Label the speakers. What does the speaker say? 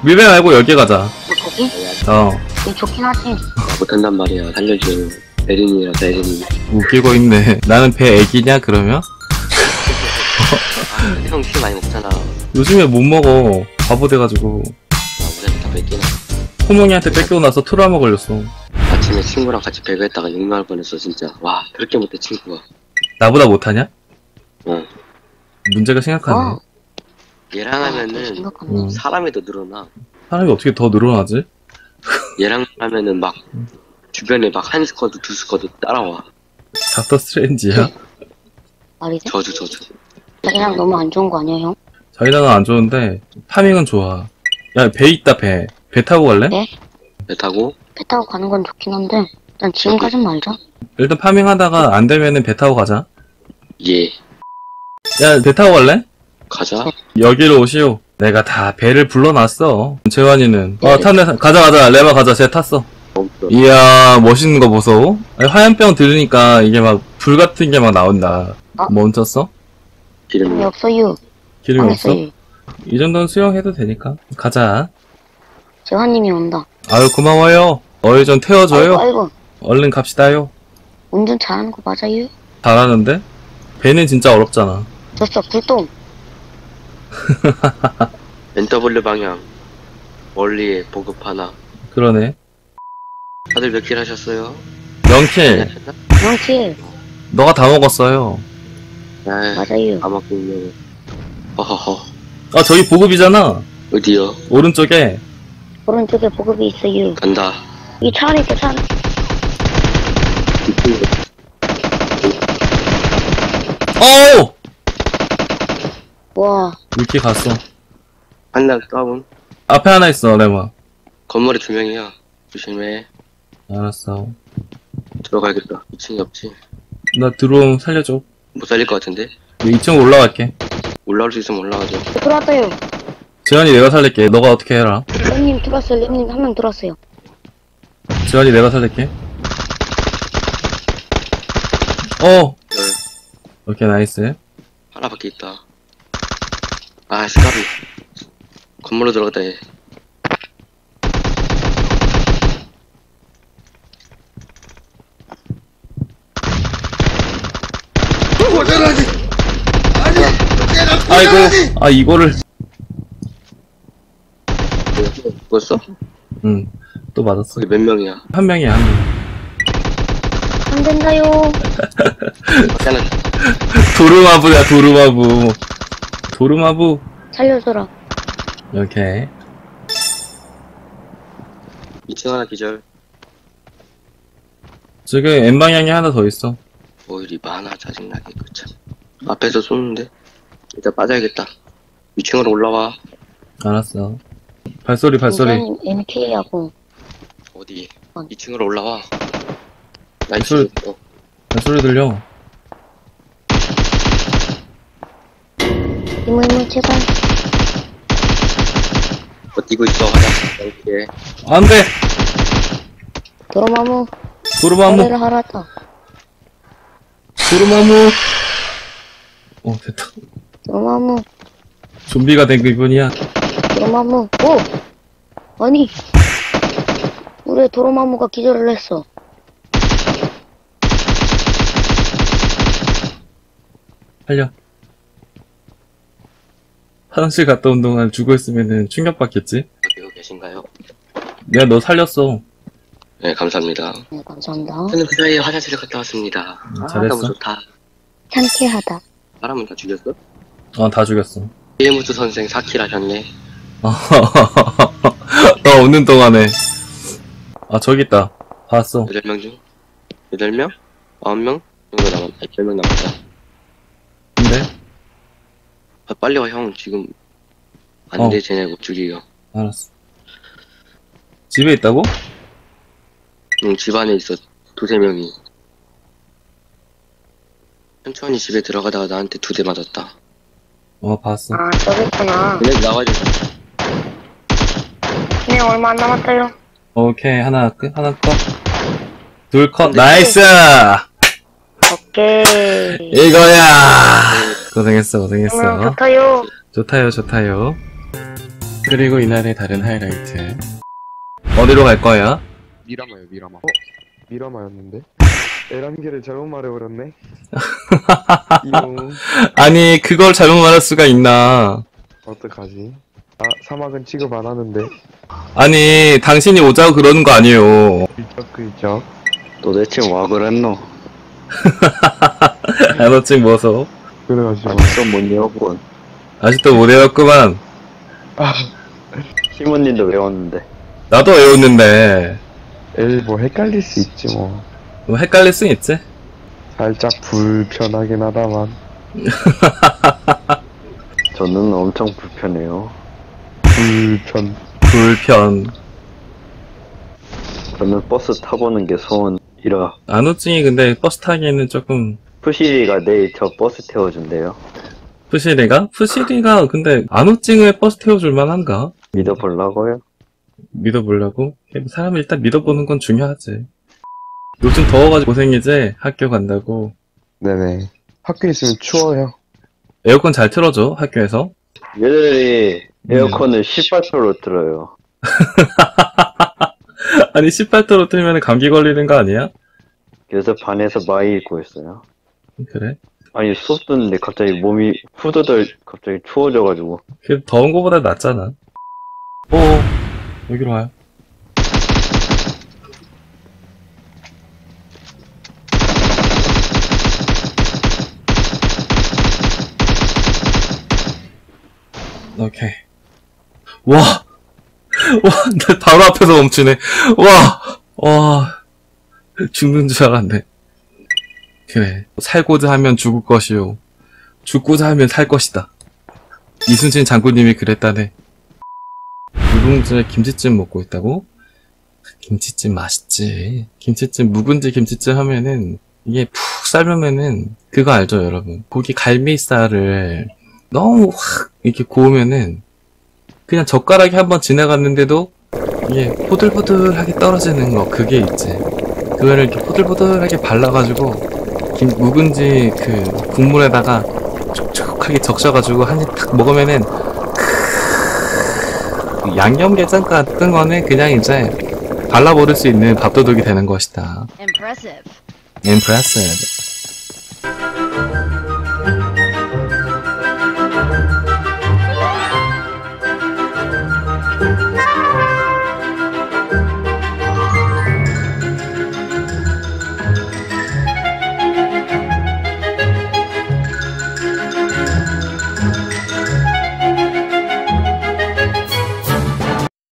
Speaker 1: 밀배 말고 여기 가자.
Speaker 2: 저기?
Speaker 1: 어.
Speaker 2: 이거 좋긴 하지.
Speaker 3: 못한단 말이야. 살려줘. 에린이라서 에린이.
Speaker 1: 웃기고 있네. 나는 배 애기냐 그러면?
Speaker 3: 형 키 많이 먹잖아.
Speaker 1: 요즘에 못 먹어. 바보 돼가지고.
Speaker 3: 우리한테 다 뺏기나.
Speaker 1: 호몽이한테 뺏기고 나서 트라우마 걸렸어.
Speaker 3: 아침에 친구랑 같이 배그했다가 욕나올 뻔했어 진짜. 와 그렇게 못해 친구가.
Speaker 1: 나보다 못하냐?
Speaker 3: 어.
Speaker 1: 문제가 심각하네.
Speaker 3: 얘랑 하면은
Speaker 2: 생각하네.
Speaker 3: 사람이 더 늘어나.
Speaker 1: 사람이 어떻게 더 늘어나지?
Speaker 3: 얘랑 하면은 막 주변에 막 한 스쿼드 두 스쿼드 따라와.
Speaker 1: 닥터 스트레인지야?
Speaker 2: 말이 돼?
Speaker 3: 저주.
Speaker 2: 자기랑 너무 안 좋은 거 아니야, 형?
Speaker 1: 자기랑은 안 좋은데 파밍은 좋아. 야, 배 있다, 배. 배 타고 갈래?
Speaker 2: 네?
Speaker 3: 배 타고
Speaker 2: 배 타고 가는 건 좋긴 한데, 일단 지금 가진 말자.
Speaker 1: 일단 파밍하다가 안 되면은 배 타고 가자.
Speaker 3: 예
Speaker 1: 야, 배 타고 갈래?
Speaker 3: 가자.
Speaker 1: 여기로 오시오. 내가 다 배를 불러놨어. 재환이는. 탔네. 가자. 레마 가자. 쟤 탔어.
Speaker 3: 없어.
Speaker 1: 이야, 멋있는 거 보소. 아니, 화염병 들으니까 이게 막 불 같은 게 막 나온다. 멈췄어?
Speaker 2: 기름이
Speaker 3: 기름이
Speaker 2: 없어요.
Speaker 1: 기름이 없어?
Speaker 2: 알겠어요.
Speaker 1: 이 정도는 수영해도 되니까. 가자.
Speaker 2: 재환님이 온다.
Speaker 1: 아유, 고마워요. 어이 좀 태워줘요.
Speaker 2: 아이고.
Speaker 1: 얼른 갑시다요.
Speaker 2: 운전 잘하는 거 맞아요?
Speaker 1: 잘하는데? 배는 진짜 어렵잖아.
Speaker 2: 졌어, 불똥.
Speaker 3: NW 방향 멀리에 보급 하나.
Speaker 1: 그러네.
Speaker 3: 다들 몇 킬 하셨어요?
Speaker 1: 0킬.
Speaker 2: 명치.
Speaker 1: 너가 다 먹었어요.
Speaker 2: 맞아요.
Speaker 3: 다 먹고 있네. 허허허.
Speaker 1: 아, 저기 보급이잖아.
Speaker 3: 어디요?
Speaker 1: 오른쪽에.
Speaker 2: 오른쪽에 보급이 있어요.
Speaker 3: 간다.
Speaker 2: 이 차 안에 있다, 차 안에.
Speaker 1: 어우!
Speaker 2: 와,
Speaker 1: 이렇게 갔어.
Speaker 3: 한명 다운.
Speaker 1: 앞에 하나 있어, 레마.
Speaker 3: 건물에 두 명이야. 조심해.
Speaker 1: 알았어.
Speaker 3: 들어가야겠다. 2층이 없지.
Speaker 1: 나 들어오면 살려줘.
Speaker 3: 못 살릴 것 같은데?
Speaker 1: 2층 올라갈게.
Speaker 3: 올라올 수 있으면 올라가죠.
Speaker 2: 들어왔어요.
Speaker 1: 재환이 내가 살릴게. 너가 어떻게 해라.
Speaker 2: 렘님 들어왔어요, 렘님 한 명 들어왔어요.
Speaker 1: 재환이 내가 살릴게.
Speaker 3: 열.
Speaker 1: 오케이, 나이스.
Speaker 3: 하나밖에 있다. 아, 스카비. 건물로 들어갔다, 얘.
Speaker 1: 아이고, 아, 이거를.
Speaker 3: 죽었어?
Speaker 1: 응, 또 맞았어.
Speaker 3: 거기 몇 명이야?
Speaker 1: 한 명이야, 한 명.
Speaker 2: 안 된다요.
Speaker 3: 밖에 하나.
Speaker 1: 도루마부야, 도루마부. 도루마부.
Speaker 2: 살려줘라.
Speaker 1: 오케이.
Speaker 3: 2층 하나 기절.
Speaker 1: 지금 N방향에 하나 더 있어.
Speaker 3: 오일이 많아, 짜증나게, 그 참. 앞에서 쏘는데? 일단 빠져야겠다. 2층으로 올라와.
Speaker 1: 알았어. 발소리.
Speaker 2: 재환님 MK하고.
Speaker 3: 어디?
Speaker 2: 어.
Speaker 3: 2층으로 올라와. 나
Speaker 1: 술.
Speaker 3: 2층.
Speaker 1: 발소리 들려.
Speaker 2: 이모 제발.
Speaker 3: 버티고 있어, 화장. 이렇게.
Speaker 1: 안 돼!
Speaker 2: 도로마무.
Speaker 1: 도루마무.
Speaker 2: 노래를 하라다.
Speaker 1: 도루마무. 됐다.
Speaker 2: 도로마무.
Speaker 1: 좀비가 된 기분이야.
Speaker 2: 도로마무. 오! 아니. 우리 도로마무가 기절을 했어.
Speaker 1: 살려. 화장실 갔다 온 동안 죽어있으면은 충격받겠지?
Speaker 3: 어디고 계신가요?
Speaker 1: 내가 너 살렸어.
Speaker 3: 네, 감사합니다.
Speaker 2: 네, 감사합니다.
Speaker 3: 저는 그 사이에 화장실을 갔다 왔습니다.
Speaker 1: 잘했어.
Speaker 3: 너무 좋다.
Speaker 2: 상쾌하다.
Speaker 3: 사람은 다 죽였어?
Speaker 1: 다 죽였어.
Speaker 3: 이해무드 선생 4킬 하셨네.
Speaker 1: 너 오는 동안에. 저기 있다. 봤어.
Speaker 3: 8명 중? 8명? 9명? 정도 남았다. 8명 남았다.
Speaker 1: 근데?
Speaker 3: 빨리 와, 형. 지금 안 돼, 쟤네 못 죽이요.
Speaker 1: 알았어. 집에 있다고?
Speaker 3: 응, 집 안에 있어. 두세 명이. 천천히 집에 들어가다가 나한테 2대 맞았다.
Speaker 1: 봤어.
Speaker 2: 아, 저기 있구나.
Speaker 3: 그냥 나와야 돼.
Speaker 2: 네, 얼마 안 남았어요.
Speaker 1: 오케이. 하나 컷. 둘 컷.
Speaker 3: 근데
Speaker 1: 나이스!
Speaker 2: 오케이.
Speaker 1: 이거야! 고생했어.
Speaker 2: 그러면 좋다요.
Speaker 1: 좋다요. 그리고 이날의 다른 하이라이트. 어디로 갈 거야?
Speaker 4: 미라마요, 미라마. 미라마였는데? 에란기를 잘못 말해버렸네. 이용.
Speaker 1: 아니, 그걸 잘못 말할 수가 있나.
Speaker 4: 어떡하지? 아, 사막은 취급 안 하는데.
Speaker 1: 아니, 당신이 오자고 그러는 거 아니에요.
Speaker 4: 글쩍글쩍.
Speaker 3: 도대체 와 그랬노?
Speaker 1: 안어증 뭐서?
Speaker 4: 그래가지고.
Speaker 3: 아직도 못 외웠군.
Speaker 1: 아직도 못 외웠구만.
Speaker 3: 시모님도 외웠는데.
Speaker 1: 나도 외웠는데.
Speaker 4: 에이, 뭐 헷갈릴 수 있지 뭐.
Speaker 1: 뭐 헷갈릴 순 있지?
Speaker 4: 살짝 불편하긴 하다만.
Speaker 3: 저는 엄청 불편해요.
Speaker 1: 불편.
Speaker 3: 저는 버스 타보는 게 소원이라.
Speaker 1: 안어증이 근데 버스 타기에는 조금.
Speaker 3: 푸시리가 내일 저 버스 태워준대요.
Speaker 1: 푸시리가? 푸시리가 근데 안어증을 버스 태워줄 만한가?
Speaker 3: 믿어보려고요?
Speaker 1: 믿어보려고? 사람을 일단 믿어보는 건 중요하지. 요즘 더워가지고 고생이지? 학교 간다고.
Speaker 4: 네네. 학교에 있으면 추워요.
Speaker 1: 에어컨 잘 틀어줘, 학교에서.
Speaker 3: 얘들이 에어컨을 18도로 틀어요.
Speaker 1: 아니, 18도로 틀면 감기 걸리는 거 아니야?
Speaker 3: 그래서 반에서 많이 입고 있어요.
Speaker 1: 그래?
Speaker 3: 아니 수업 듣는데 갑자기 몸이 후덜덜 갑자기 추워져가지고.
Speaker 1: 그 더운 거보다 낫잖아. 여기로 와요. 오케이. 와! 나 바로 앞에서 멈추네. 와! 죽는 줄 알았네. 그래. 살고자 하면 죽을 것이요. 죽고자 하면 살 것이다. 이순신 장군님이 그랬다네. 묵은지에 김치찜 먹고 있다고? 김치찜 맛있지. 김치찜, 묵은지 김치찜 하면은, 이게 푹 삶으면은, 그거 알죠, 여러분? 고기 갈매살을 너무 확, 이렇게 구우면은, 그냥 젓가락이 한번 지나갔는데도, 이게 포들포들하게 떨어지는 거, 그게 있지. 그거를 이렇게 포들포들하게 발라가지고, 묵은지 그 국물에다가 촉촉하게 적셔가지고 한 입 탁 먹으면은, 양념게장 같은 거는 그냥 이제 발라버릴 수 있는 밥도둑이 되는 것이다.
Speaker 5: Impressive.
Speaker 1: Impressive.